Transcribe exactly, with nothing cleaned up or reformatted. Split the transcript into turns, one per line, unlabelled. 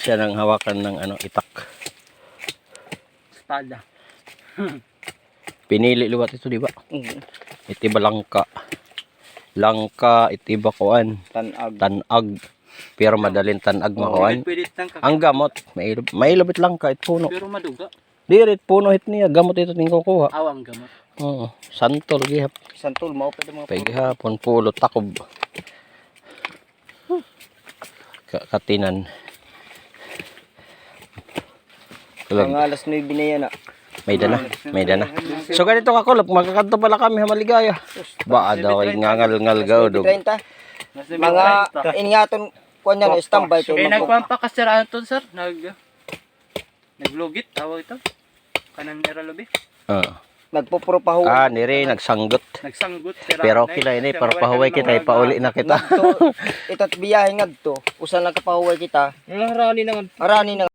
siya ng hawakan ng ano, itak.
Espada.
Pinili luwat ito, di ba?
Mm.
Itiba langka. Langka, itiba kuan.
Tanag.
Tanag. Pero madaling tanag makuan.
Pwede tang
Ang gamot, may may ilabit langka it puno.
pero maduga.
Dirit puno hit niya, gamot ito ting kukuha.
Awang gamot.
Oo, santol gihap.
Santol mao pwede mga
Paghapon pulo takob. Ka katinan. Kulag.
mga alas nueve na yan ah.
May dana, may dana. So ganito ka kulog, magkakanto pala kami ha maligaya. Ba daw ay ngangal-ngal gaudog.
treinta. Mga inyaton ko niya na standby kay
Eh,
mag-
nagpampakasiraan to, sir. Nag... Naglugit, tawag ito. Kanan era lobi.
Ah.
nagpupuro pa ho.
Ah, nire nagsanggot.
Nagsanggot. sira
Pero
na eh.
kila ini
Sir,
para
wala
pahuway
ka
kita,
nang
ipauli na kita.
Ngadto, ito't biyahe ngadto. Usa lang kapahuway kita.
Wala rani naman.
Arani na